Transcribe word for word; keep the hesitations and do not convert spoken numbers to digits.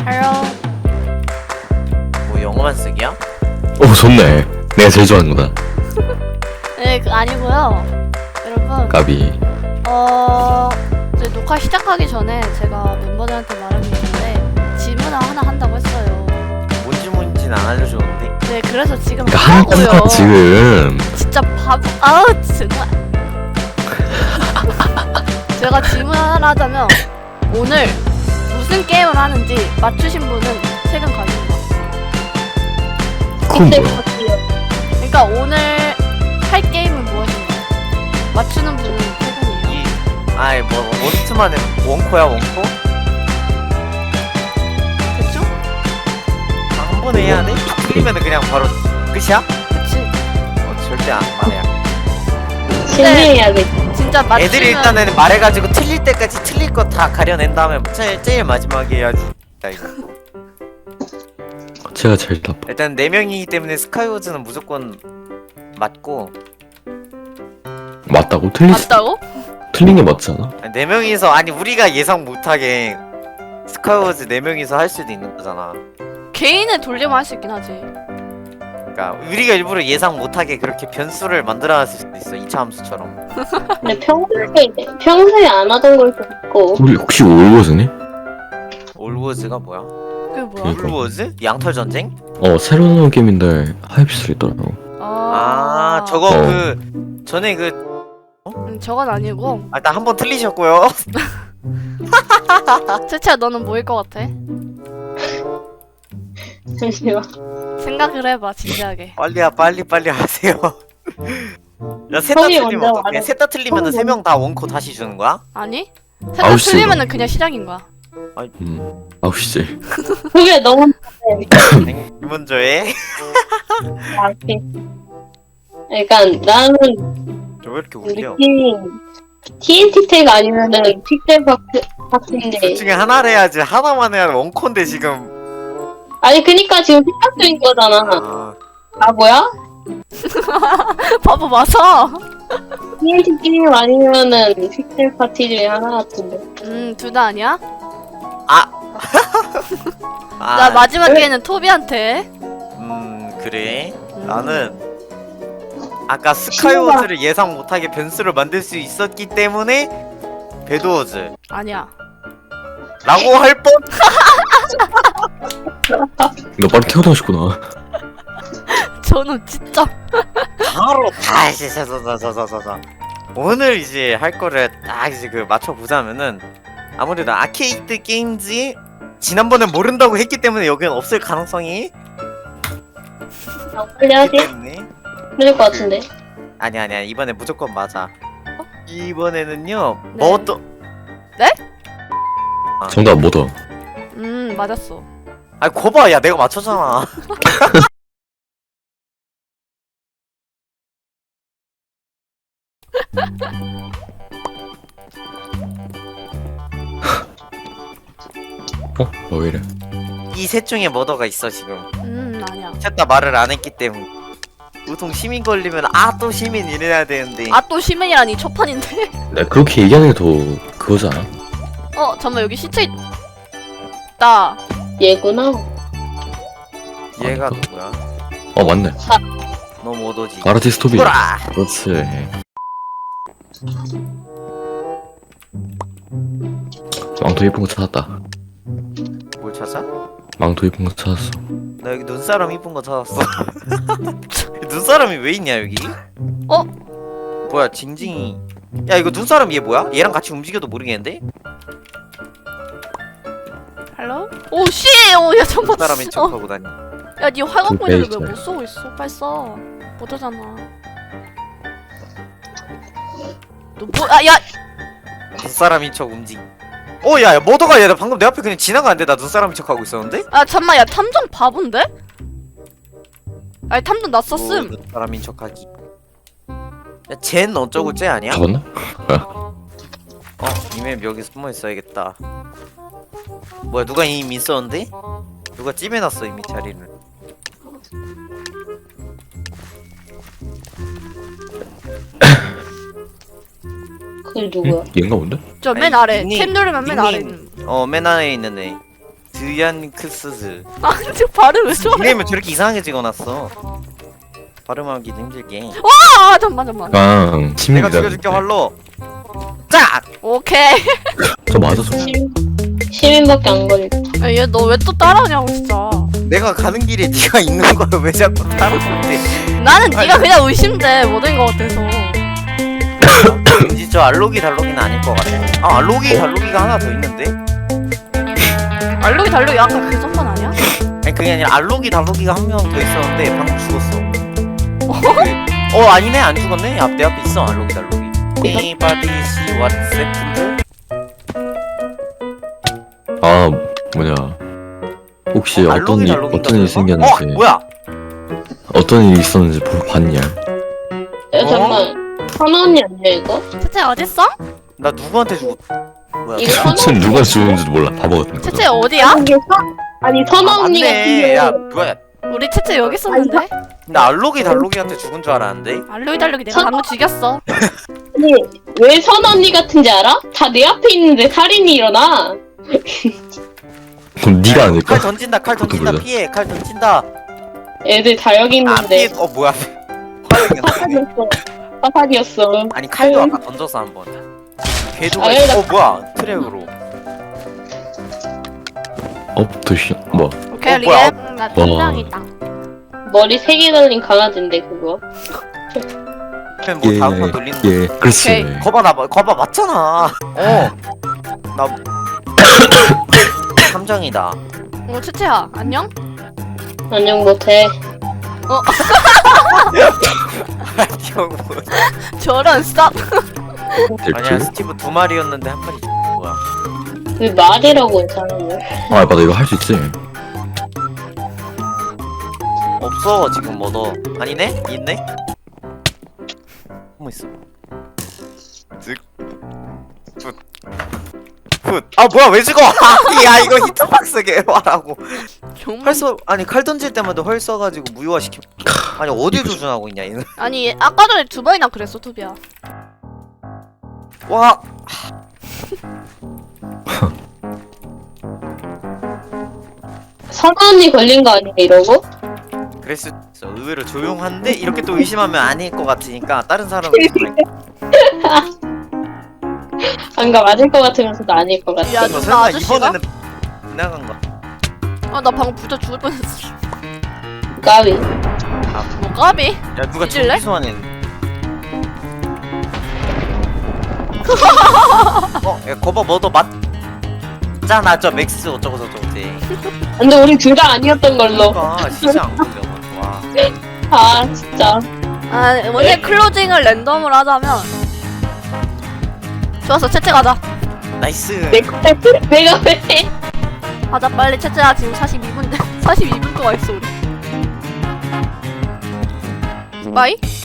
Hello. 뭐 영어만 쓰기야? 오 좋네. 내가 제일 좋아하는 거다. 네, 그 아니고요. 여러분, 까비. 어 이제 녹화 시작하기 전에 제가 멤버들한테 말한 게 있는데 질문을 하나 한다고 했어요. 뭔지 뭔지는 안 알려줬는데. 네, 그래서 지금 그러니까 하고요. 하나가 지금 진짜 바보. 아우 정말. 제가 질문 하나 하자면 오늘 무슨 게임을 하는지 맞추신 분은 세금 가져온다. 그건 뭐야? 그러니까 오늘 할 게임은 무엇인가? 맞추는 분은 세금이에요. 이 아이 뭐 원투만 해 원코야 원코? 대충? 아, 한 번에 해야 돼? 틀리면은 그냥 바로 끝이야? 그치? 어, 절대 안 말해야. 신뢰해야겠다. 진짜 맞추면 애들이 일단은 말해가지고 틀릴 때까지 틀릴 거 다 가려낸 다음에 제일, 제일 마지막에 해야지. 나 이거. 제가 제일 나빠. 일단 네 명이기 때문에 스카이워즈는 무조건 맞고 맞다고? 틀리 맞다고? 틀린 게 맞잖아. 네 명이서 아니 우리가 예상 못하게 스카이워즈 네 명이서 할 수도 있는 거잖아. 개인을 돌리면 할 수 있긴 하지. 그러니까 우리가 일부러 예상 못하게 그렇게 변수를 만들어놨을 수도 있어. 이 차 함수처럼. 근데 평소에 평소에 안 하던 걸 좀 있고. 우리 혹시 올워즈니? 올워즈가 뭐야? 그게 뭐야? 그러니까. 올워즈? 양털 전쟁? 어 새로 나온 게임인데 하이피스로 있더라고. 아, 아 저거 어. 그 전에 그 음, 저건 아니고. 아, 일단 한 번 틀리셨고요. 채채야 너는 뭐일 것 같아? 잠시만. 생각을 해봐 진지하게. 빨리야 빨리 빨리 하세요. 야 셋 다 형이 틀리면 먼저 어떡해? 말해. 셋 다 틀리면은 세 명 다 원코 다시 주는 거야? 아니? 아홉 세상 시 틀리면은 그냥 시작인 거야. 음 아홉 시지. 그게 너무 이 먼저 해. 약해. 그러니까 나는 저 왜 이렇게 우리 웃겨? 팀 티엔티 택 아니면은 픽셀 박스 박스인데. 둘 중에 하나를 해야지. 하나만 해야 원코인데 지금. 아니 그니까 지금 생각 중인 거잖아. 아, 아 뭐야? 바보 맞아. 티엔티 게임 아니면은 픽셀 파티 중에 하나 같은데. 음, 둘 다 아니야? 아. 나 마지막 기회는 토비한테. 음 그래. 음. 나는 아까 스카이워즈를 예상 못하게 변수를 만들 수 있었기 때문에 배드워즈 아니야. 라고 할 뻔. 너 빨리 태어나고 싶구나. 저는 진짜. 바로 다시 자자자자자자 오늘 이제 할 거를 딱 이제 그 맞춰 보자면은 아무래도 아케이드 게임즈 지난번에 모른다고 했기 때문에 여기는 없을 가능성이 아, 빨리 하지. 있기 때문에 그럴 것 같은데. 아니 아니야 이번에 무조건 맞아. 이번에는요 네. 뭐 또 정답 뭐다? 음, 맞았어. 아니 거봐 야 내가 맞췄잖아. 어? 어 왜 이래? 이 셋 중에 머더가 있어 지금. 음, 아니야. 셋 다 말을 안 했기 때문에 보통 시민 걸리면 아 또 시민 이래야 되는데 아, 또 시민이라니 첫판인데. 내가 그렇게 얘기하는 게 더 그거잖아. 어, 잠깐만 여기 시체 있다. 얘구나. 얘가 누구야? 어 맞네. 너 뭐더지? 아르티스 토비. 돌아. 그렇지. 망토 예쁜 거 찾았다. 뭘 찾아? 망토 예쁜 거 찾았어. 나 여기 눈사람 이쁜 거 찾았어. 눈사람이 왜 있냐 여기? 어? 뭐야 징징이. 야 이거 눈사람 얘 뭐야? 얘랑 같이 움직여도 모르겠는데? 헬로? 오, 씨! 오, 야, 잠깐만. 눈사람인 어. 척하고 다니. 야, 니 활강 포인트를 베이스. 왜 못 쏘고 있어? 빨리 써. 못하잖아. 너 뭐, 아, 야! 눈사람인 척 움직. 어, 야, 야, 머더가 얘, 나 방금 내 앞에 그냥 지나가는데 나 눈사람인 척하고 있었는데? 아, 잠만, 야, 탐정 바본데? 아니, 탐정 나 썼음. 어, 눈사람인 척하기. 야, 젠 어쩌고 쟤 아니야? 잡았나? 어, 이맵 여기 숨어 있어야겠다. 뭐야, 누가 이미 있었는데? 누가 찜해놨어 이미 자리를. 그게 누구야? 응? 얘인가 본데? 저 맨 아니, 아래. 닉네임, 탭 누르면 맨 닉네임. 아래 있는. 어, 맨 안에 있는 애. 드 드얀크스즈. 아니 지금 발음 왜 저래? 닉네임을 저렇게 이상하게 찍어놨어. 발음하기도 힘들게. 아 잠만 잠만. 그냥 내가 시민이다. 죽여줄게 활로. 짝! 오케이. 저 맞았어. 시민, 시민밖에 안 걸리고. 얘 너 왜 또 따라오냐고 진짜. 내가 가는 길에 네가 있는 걸 왜 자꾸 따라오는데? 나는 네가 그냥 의심돼 못된 거 같아서. 왠지 저 알로기 달로기는 아닐 것 같아. 아 알로기 달로기가 하나 더 있는데? 알록이 달록이 아까 그 전반 아니야? 아니 그게 아니라 알로기 달로기가 한 명 더 있었는데 방금 죽었어. 그, 어 아니네 안 죽었네. 앞 내 앞에 있어 알로기 달로기. Anybody see what's happened? 아 뭐냐. 혹시 어, 어떤 알로기 일 달로기인가 어떤 일이 설마? 생겼는지 어 뭐야? 어떤 일이 있었는지 보고 봤냐? 야, 어? 잠깐. 선아 언니 아니야, 이거? 채채 어딨어? 나 누구한테 죽었? 뭐야? 이거 선아 무슨 누가 죽은지도 몰라. 바보 같은 거. 채채 어디야? 이게 선- 아니, 선아 아, 언니 같은 맞네. 야 경우. 뭐야? 우리 채채 여기 있었는데? 나 알로기 달로기한테 죽은 줄 알았는데. 알록이 달록이 내가 선- 방금 죽였어. 아니, 왜 선아 언니 같은지 알아? 다 내 앞에 있는데 살인이 일어나. 그럼 네가 아닐까? 칼 던진다 칼 던진다 그거다. 피해 칼 던진다. 애들 다 여기 안 피해. 있는데. 어 뭐야? 화력이 나. 사사기였어. 사사기였어. 아니 칼도 아까 던졌어 한번. 궤도가 아, 있... 나- 어 뭐야 트랙으로. 어 도시 뭐 오케이 어, 뭐야? 리엠 나 팀장이다. 머리 세 개 달린 강아지인데, 그거. 그냥 뭐 다음 번 돌리는 거. 예, 그렇지. 오케이. 거봐 나 봐- 거봐 맞잖아. 어. 나 함정이다. 어 채채야 안녕? 안녕 못해. 형 뭐. 저런 쌉. 아니야 될지. 스티브 두 마리였는데 한 마리 죽은 거야. 왜 말이라고 했잖아. 아 맞아 이거 할 수 있지. 없어 지금 뭐 너. 아니네? 있네? 뭐 있어? 쓱. 굿. 굿. 아 뭐야 왜 죽어? 야 이거 히트박스 개화라고. 정말. 활 써. 아니 칼 던질 때마다 활 써가지고 무효화시켜. 아니 어딜 조준하고 있냐 얘는. 아니 얘 아까 전에 두 번이나 그랬어 투비야. 와. 선아 언니 걸린 거 아니야, 이러고? 그랬을 수 있어. 의외로 조용한데 이렇게 또 의심하면 아닐 것 같으니까 다른 사람을 의심할게. 안가 맞을 것 같으면서도 아닐 것 같아. 야, 너 누나 설마 아저씨가? 이번에는 지나간 거. 아나 방금 부터 죽을 뻔했어. 까비. 뭐 까비? 야 누가 잊을래? 전기 소환했네. 어, 야 거봐 뭐도 맞잖아 저 맥스 어쩌고 저쩌고지. 근데 우리 둘 다 아니었던 걸로. 그러니까 시장 걸려. 와. 아, 진짜. 아 원래 클로징을 랜덤으로 하자면 좋았어 채채 가자. 나이스. 내가, 내가 왜? 가자 빨리 채채야 지금 사십이 분 사십이 분 동안 있어 우리. 빠이?